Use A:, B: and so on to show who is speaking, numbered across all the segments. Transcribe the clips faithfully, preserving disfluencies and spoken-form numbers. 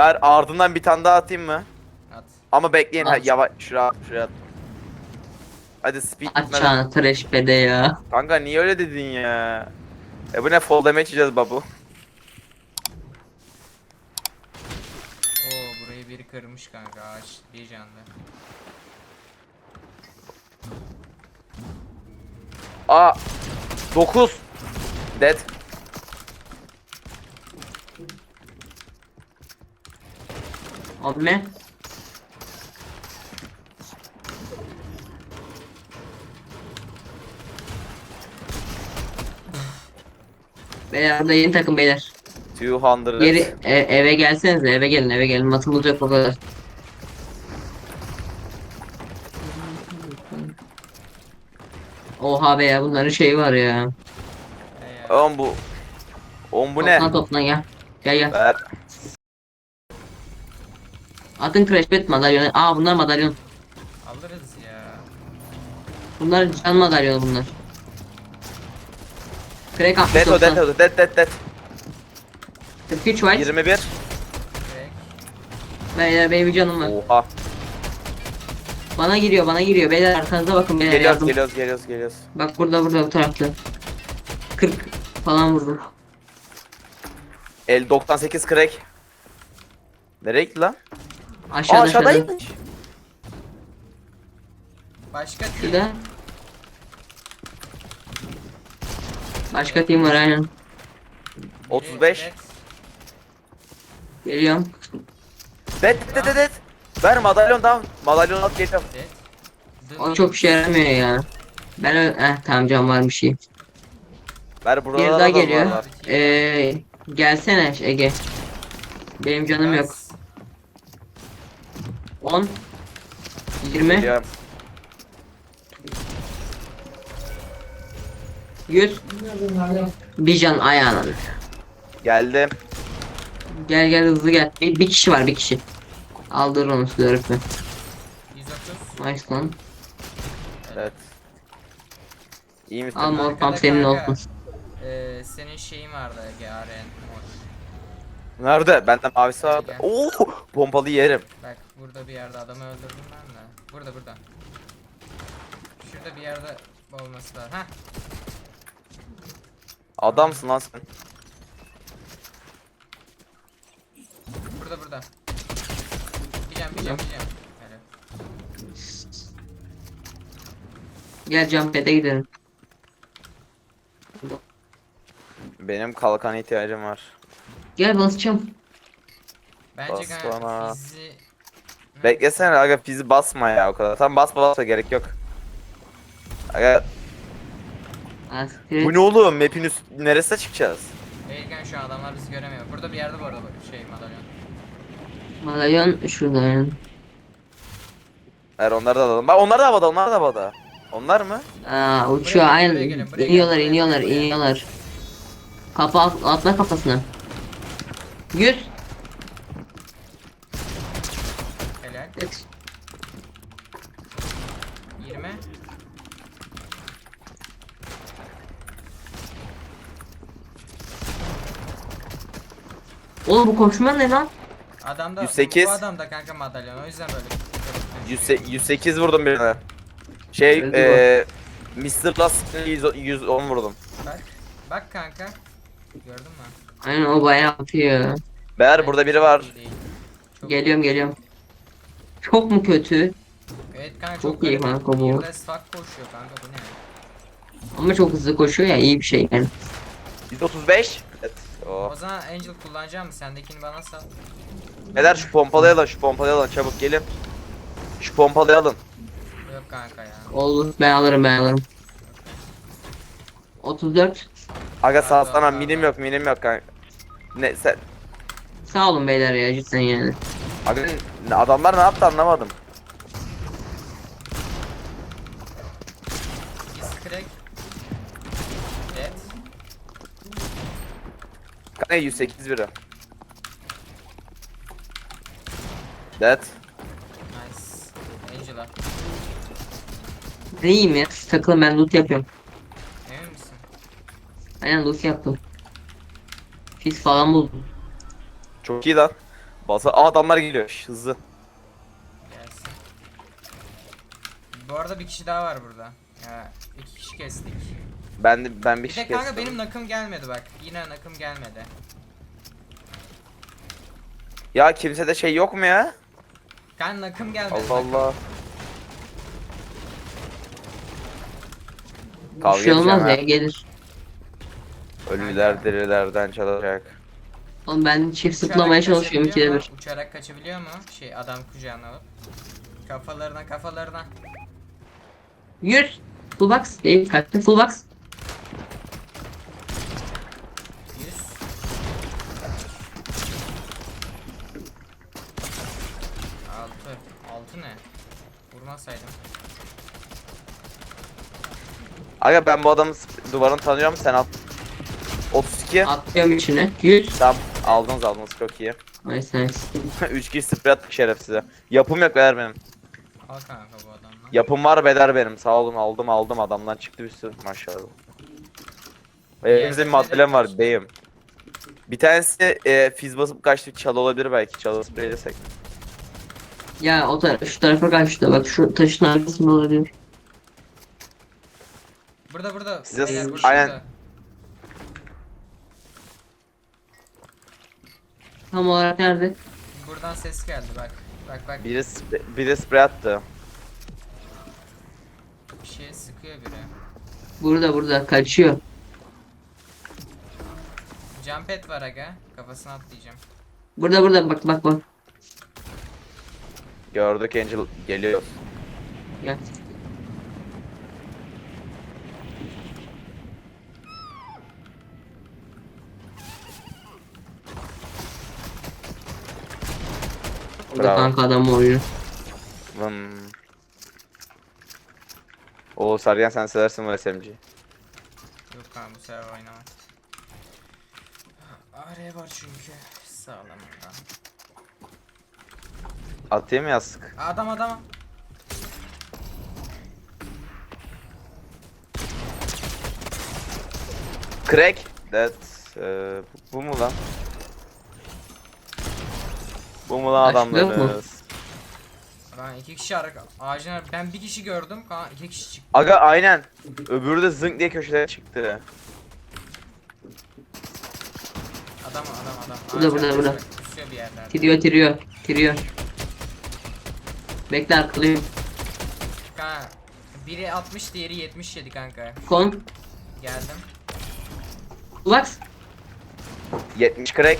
A: Ver ardından bir tane daha atayım mı?
B: At.
A: Ama bekleyin ha,
C: At.
A: yavaş şuraya şuraya. Hadi speed bitmeden.
C: Açacağını trash bede ya.
A: Kanka niye öyle dedin ya? E bu ne fall damage yiyeceğiz babu.
B: Oo burayı biri kırmış kanka, ağaç bir canlı.
A: Aa dokuz. Dead.
C: Abi ne? Beyler burada yeni takım beyler.
A: iki yüz.
C: Geri e- eve gelsenize, eve gelin, eve gelin. Matımız yok o kadar. Oha be ya, bunların şeyi var ya.
B: He ya.
A: Oğlum bu. Oğlum bu ne?
C: Toplan toplan gel. Gel gel.
A: Ver.
C: Atın crash bet madalyonu. Aa bunlar madalyon.
B: Alırız ya.
C: Bunlar can madalyonu bunlar. Crack altmış
A: Dead o dead
C: doksan.
A: o dead dead dead.
C: kırk üç white.
A: yirmi bir.
B: Direkt.
C: Beyler benim bir canım var.
A: Oha.
C: Bana giriyor bana giriyor. Beyler arkanıza bakın beyler
A: Geliyoruz
C: yardım.
A: geliyoruz geliyoruz geliyoruz.
C: Bak burada burada bu tarafta. kırk falan vurdum.
A: El doksan sekiz crack. Nereye gitti lan? Aa
C: Aşağıda aşağıda.
A: aşağıdaymış.
B: Başka team.
C: Şurada. Başka team var aynen.
A: otuz beş.
B: Direkt.
C: Geliyorum.
A: Dead dead dead dead. Ver madalyon down. Madalyon at geliyorum.
B: Direkt.
C: O çok işe yaramıyor ya. Ben ö- eh tamam can varmış iyi.
A: Ver
C: Bir
A: burada
C: daha
A: da
C: geliyor.
A: var.
C: Ee, gelsene Ege. Benim canım yok.
B: Bas.
C: on yirmi
A: Geliyorum.
C: yüz bir can ayağına.
A: Geldim.
C: Gel gel hızlı gel. Bir, bir kişi var bir kişi. Aldır onu size öğretmen.
B: yüz otuz.
C: Nice lan.
A: Evet. İyi misin?
C: Al mor
B: Arkada
C: pump senin
B: kanka,
C: olsun.
B: Ee, senin şeyin vardı Ege, Aren mor.
A: Nerede? Bende mavisi vardı.
B: Gel.
A: Oo, pompalı yerim.
B: Bak burada bir yerde adamı öldürdüm ben de. Burada burada. Şurada bir yerde olması lazım. Heh.
A: Adamsın lan sen.
B: Burada burada. Bileceğim bileceğim bileceğim. Hele.
C: Gel jump pad'e gidelim.
A: Benim kalkan ihtiyacım var.
C: Gel basacağım.
B: Bence
A: Bas
B: kanka
A: bana.
B: fizi...
A: Beklesene aga fizi basma ya o kadar. Tam basma basma gerek yok. Aga
C: Aspiret.
A: bu ne oğlum? Map'in üst neresine çıkacağız?
B: Değilken şu an adamlar bizi göremiyor. Burada bir yerde bu arada bak şey madalyon.
C: Madalyon şurada yani.
A: Hayır onları da alalım. Bak onlar da havada onlar da havada. Onlar mı?
C: Aa uçuyor
B: Buraya,
C: aynen.
B: buraya gelin, buraya
C: iniyorlar
B: gelin, buraya,
C: iniyorlar
B: buraya.
C: iniyorlar. Kafa at- atla kafasına. yüz.
B: Helal.
C: Evet.
B: yirmi.
C: Oğlum bu koşma ne lan?
B: Adamda
A: yüz sekiz.
B: bu adamda kanka madalyon, o yüzden böyle.
A: yüz, yüz sekiz vurdum birine. Şey
C: Öldü
A: eee mister Last yüz, yüz on vurdum.
B: Bak. Bak kanka. Gördün mü?
C: Aynen o bayağı atıyor.
A: Beyler burada biri var.
B: İyi değil. Çok
C: Geliyorum geliyorum. Çok mu kötü?
B: Evet kanka
C: Çok
B: çok,
C: iyi
B: garip.
C: kanka bu.
B: Bir de stack koşuyor kanka, bu ne?
C: Ama çok hızlı koşuyor ya, iyi bir şey yani.
A: yüz otuz beş. Evet. Oh.
B: O zaman Angel kullanacağım mı? Sendekini bana sal.
A: Beyler şu pompalıyı alın şu pompalıyı alın çabuk gelin. Şu pompalıyı alın.
B: Yok kanka ya.
C: Olur ben alırım ben alırım. otuz dört.
A: Aga sağ
B: Allah
A: sana
B: Allah.
A: minim yok minim yok kanka. Ne sen?
C: Sağ olun beyler ya cidden yani.
A: Aga ne- adamlar ne yaptı anlamadım.
B: Biz crack. Dead.
A: Kanka yüz sekiz biri. Dead.
B: Nice. Angel'a.
C: İyiyim ya, siz takılın ben loot yapıyorum.
B: Emin misin?
C: Aynen loot yaptım. Fis falan buldum.
A: Çok iyi lan. Basa Aa, adamlar geliyor. Şş, hızlı.
B: Gelsin. Bu arada bir kişi daha var burada. Ya iki kişi kestik.
A: Ben de ben bir
B: Bir
A: şey
B: de kanka
A: kestim.
B: benim nakım gelmedi bak. Yine nakım gelmedi.
A: Ya kimsede şey yok mu ya?
B: Kanka nakım gelmedi.
A: Allah
B: nakım.
A: Allah.
C: Bir
A: Kavga
C: şey olmaz
A: edeceğim
C: ya
A: ha.
C: gelir.
A: Ölüler dirilerden çalacak.
C: Oğlum ben çift
B: Uçarak
C: zıplamaya çalışıyorum ikide
B: kaçabiliyor
C: bir.
B: mu? Uçarak kaçabiliyor mu? Şey adam kucağına alıp. Kafalarına kafalarına.
C: Yürü. Full box değil kaçtı full box.
B: yüz. Altı. Altı ne? Vurmasaydım.
A: Aga ben bu adamın sp- duvarını tanıyorum sen at. otuz iki.
C: Atlıyorum içine. Yüz.
A: Tamam aldınız aldınız çok iyi.
C: Nice nice.
A: üç kişi sprey attık şerefsize. Yapım yok beyler benim.
B: Al kanka bu adamla.
A: Yapım var beder benim. Sağ olun aldım aldım adamdan çıktı bir sürü maşallah. Ve elimizde bir maddelem var beyim. Bir tanesi e, fiz basıp kaçtı çalı olabilir belki çalı spreylesek.
C: Ya o taraf şu tarafa kaçtı. Bak şu taşın arkasında olabilir.
B: Burada burada.
A: Size-
B: Beyler, burada,
A: aynen.
B: burada.
C: Tam olarak nerede?
B: Buradan ses geldi bak. Bak bak
A: Biri, spre biri sprey attı.
B: bir şeye sıkıyor biri.
C: Burada burada kaçıyor.
B: Jump pad var aga. Kafasına atlayacağım.
C: Burada burada bak bak bak.
A: Gördük Angel geliyor.
C: Gel. Burada
A: Bravo.
C: kanka adam oyunu.
A: Vım. Oo Sergen sen seversin bu S M G'yi.
B: Yok kanka bu sefer oynamam. Araya var çünkü. Sağlam adam.
A: Atayım mı yastık?
B: Adam adam.
A: Crack. That. Ee, bu mu lan? Bu mu lan
C: Başlıyor mu?
A: adamlarınız?
B: Ben iki kişi arka ağacın ar- ben bir kişi gördüm. Kanka iki kişi çıktı.
A: Aga aynen. Öbürü de zınk diye köşelere çıktı.
B: Adam adam adam.
C: Burada,
B: Ağacın
C: burada,
B: arkasında
C: burada.
B: kusuyor bir yerlerde.
C: Tiriyor tiriyor. Tiriyor. Bekle arkalıyım.
B: Kanka biri altmış diğeri yetmiş yedi kanka.
C: Kon.
B: Geldim.
C: Bak.
A: yetmiş crack.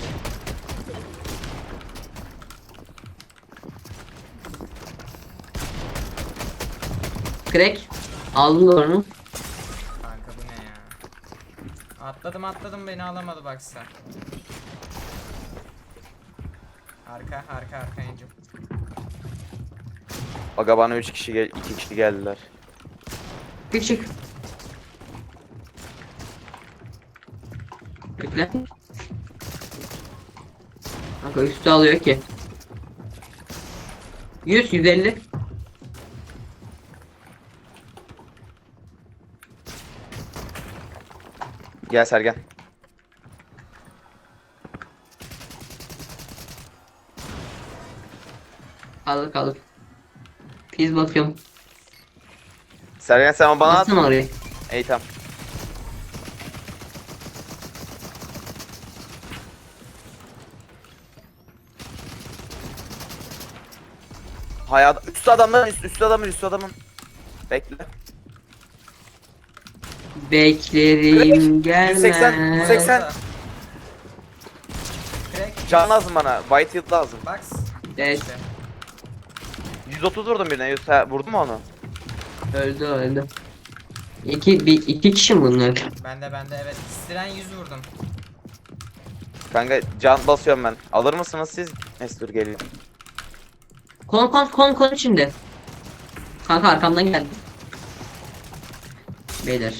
C: Crack. Aldım da onu.
B: Kanka bu ne ya? Atladım atladım beni alamadı baksa. Arka arka arka Angel.
A: Aga bana üç kişi gel iki kişi geldiler.
C: Küçük. Bekle. Kanka üstü alıyor ki. yüz yüz elli.
A: Gel Sergen.
C: Kaldır kaldır. Piz bakıyorum.
A: Sergen sen bana at.
C: Atsana oraya.
A: İyi tamam. Hayat üstü adamların üst, üstü adamın üstü adamın. Bekle.
C: Beklerim gelmez.
A: yüz seksen, yüz seksen.
B: Crack.
A: Can lazım bana. White Hill lazım.
B: Box.
C: Evet.
B: İşte.
A: yüz otuz vurdum birine. yüz ha, vurdun mu onu?
C: Öldü öldü. İki, bir, iki kişi mi bunlar?
B: Bende bende evet. Siren yüz vurdum.
A: Kanka can basıyorum ben. Alır mısınız siz? Neyse dur geliyor.
C: Kon kon kon kon içinde. Kanka arkamdan geldi. Beyler.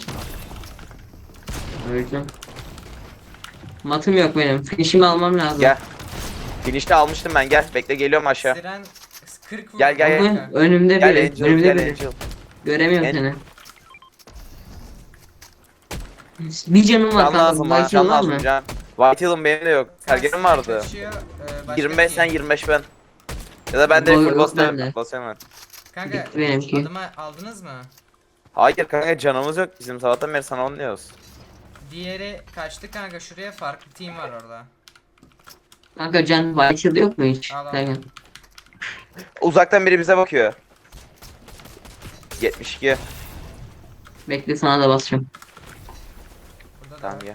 C: Öldüm. Matım yok benim. Finish'imi almam lazım.
A: Gel. Finish'te almıştım ben gel. Bekle geliyorum aşağı.
B: Siren kırk vurdum.
A: Gel, gel, gel.
C: Kanka, önümde
A: Gel
C: biri.
A: Angel
C: Önümde
A: gel
C: biri.
A: Angel.
C: Göremiyorum
A: En-
C: seni. Bir canım var
A: Can
C: kanka.
A: lazım bana
C: Belki
A: can
C: var
A: lazım
C: mı?
A: can. White Hill'ın benim de yok. Sergen'in vardı.
B: Kaçıyor, e, başka
A: yirmi beş
B: bir
A: sen
B: team.
A: yirmi beş ben. Ya da ben de
C: Yok,
A: full
C: yok
A: basıyorum.
C: bende.
A: Basıyorum ben.
B: Kanka
C: Bitti benimki.
B: adımı aldınız mı?
A: Hayır kanka canımız yok bizim sabahtan beri sana onu diyoruz.
B: Diğeri kaçtı kanka, şuraya farklı team var orada.
C: Kanka can Whitehill yok mu hiç?
B: Al, al.
C: Sergen.
A: Uzaktan biri bize bakıyor. yetmiş iki.
C: Bekle sana da basacağım.
B: Burada da
A: Tamam
B: var.
A: ya.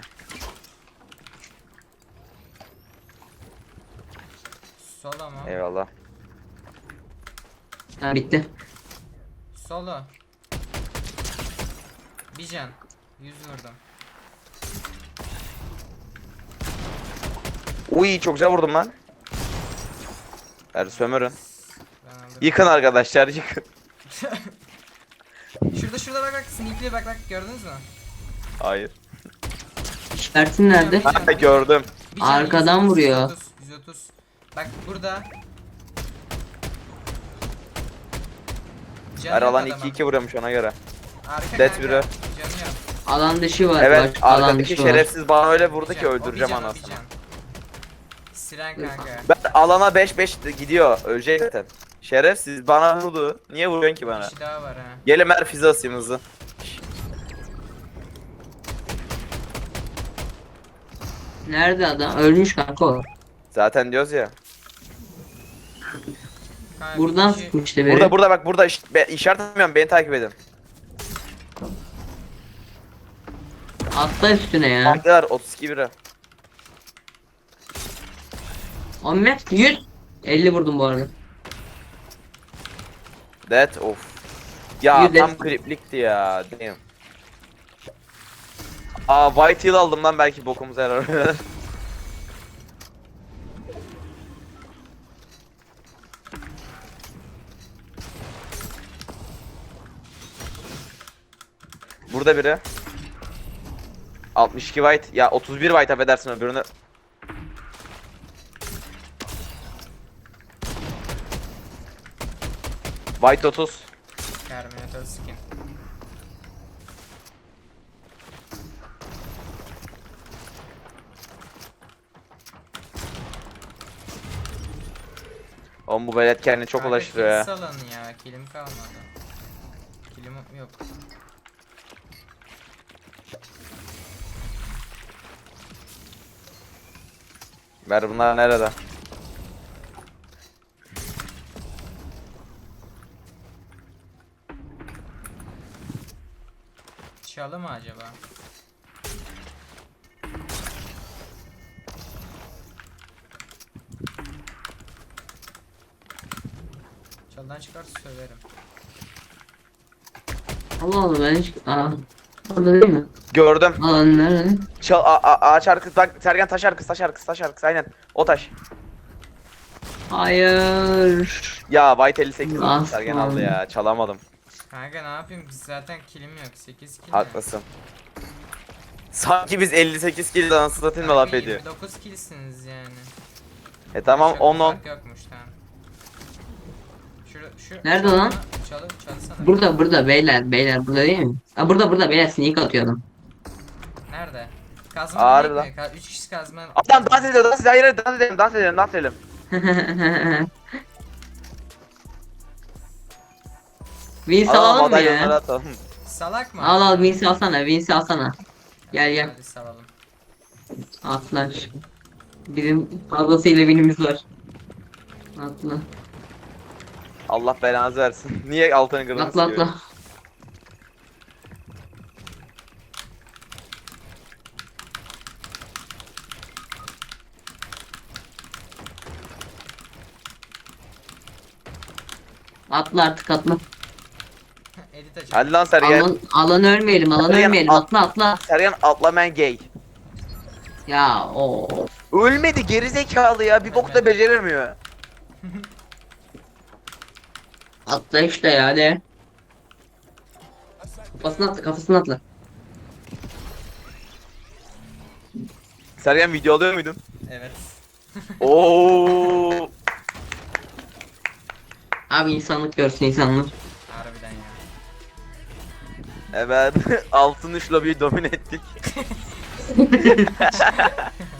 B: Solo mu?
A: Eyvallah.
C: Ha bitti.
B: Solo. Bir can. Yüz vurdum.
A: Uy çok güzel vurdum lan. Hadi sömürün.
B: Ben aldım.
A: Yıkın arkadaşlar yıkın.
B: Şurada şurada bak bak, sneakli'ye bak bak, gördünüz mü?
A: Hayır.
C: İşaretin nerede?
A: Ha gördüm.
B: Bir can,
C: Arkadan
B: yüz otuz,
C: vuruyor.
B: yüz otuz, yüz otuz. Bak burada. Canı
A: Her
B: yok
A: alan
B: adamın.
A: iki iki vuruyormuş ona göre.
B: Arka
A: Death
B: kanka,
A: biri.
B: canı yok.
C: Alan dışı var.
A: Evet
C: bak, alan
A: arkadaki
C: dışı var.
A: şerefsiz bana öyle vurdu
B: Bir
A: ki
B: can, o
A: öldüreceğim
B: bir can, o bir
A: anasını.
B: can. Siren kanka.
A: Ben alana beş beş gidiyor ölecek zaten. Şerefsiz bana vurdu. Niye vuruyorsun ki
B: Bir
A: bana?
B: kişi daha var ha.
A: Gelin ver füze asayım hızlı.
C: Nerede adam? Ölmüş kanka o.
A: Zaten diyoruz ya.
B: Kanka,
C: Buradan
B: bir kişi-
C: sıkmıştı beni.
A: Burada burada bak burada iş, be, işaret etmiyorum beni takip edin.
C: Atla üstüne ya.
A: Mantılar otuz iki biri.
C: on met yüz. elli vurdum bu arada.
A: That of. Ya
C: Yüz
A: tam
C: elli.
A: kriplikti ya. Damn. Aa White Hill aldım lan belki bokumuza yarar. Burada biri. altmış iki white. Ya otuz bir white affedersin öbürünü. White otuz.
B: Terminator skin.
A: Oğlum bu velet kendini çok
B: Kanka,
A: ulaştırıyor ya.
B: kill salın ya, kilim kalmadı. Kilim yok.
A: Ver bunlar nerede?
B: Çalı mı acaba? Çalıdan çıkarsa söverim.
C: Allah Allah ben hiç... Aa. Orada değil mi?
A: Gördüm.
C: Alan nerede?
A: Çal a- a- ağaç arkası bak Sergen taş arkası taş arkası taş arkası aynen. O taş.
C: Hayır.
A: Ya White elli sekiz
C: Ah,
A: Sergen
C: tamam.
A: aldı ya çalamadım.
B: Kanka ne yapayım, zaten kilim yok, sekiz kill.
A: Haklısın. Sanki biz elli sekiz kill dansı satayım da laf ediyor.
B: yirmi dokuz killsiniz yani.
A: E tamam
B: Çok
A: on on.
B: fark yokmuş, tamam. Şura, şu,
C: Nerede
B: şu-
C: lan?
B: Çalı, çalsana.
C: Burada burada beyler beyler burada değil mi? Aa burada burada beyler sneak atıyor adam.
B: Nerede? Kazma
A: Ağrı
B: değil mi? Ka üç kişi kazma.
A: Adam dans ediyor dans ediyor hayır hayır, dans edelim dans edelim dans edelim.
C: Vince
A: Alalım
C: alalım mı
A: madalyonları
C: ya?
A: atalım.
B: Salak mı?
C: Al al Vince alsana Vince alsana. Gel gel.
B: Hadi salalım.
C: Atlar. Bizim fazlasıyla binimiz var. Atla.
A: Allah belanızı versin. Niye altını kırdınız
C: Atla
A: ki?
C: atla. Atla artık atla.
B: Edit açalım.
A: Hadi lan Sergen.
C: Alan, alan ölmeyelim alan
A: Sergen,
C: ölmeyelim
A: at-
C: atla atla.
A: Sergen atla man gay.
C: Ya o.
A: Ölmedi gerizekalı ya bir bok da beceremiyor.
C: Atla işte ya de. Kafasına atla kafasına atla.
A: Sergen video alıyor muydun?
B: Evet.
A: Oo.
C: Abi insanlık görsün insanlık.
B: Harbiden ya.
A: Evet. Altın üç lobiyi domine ettik.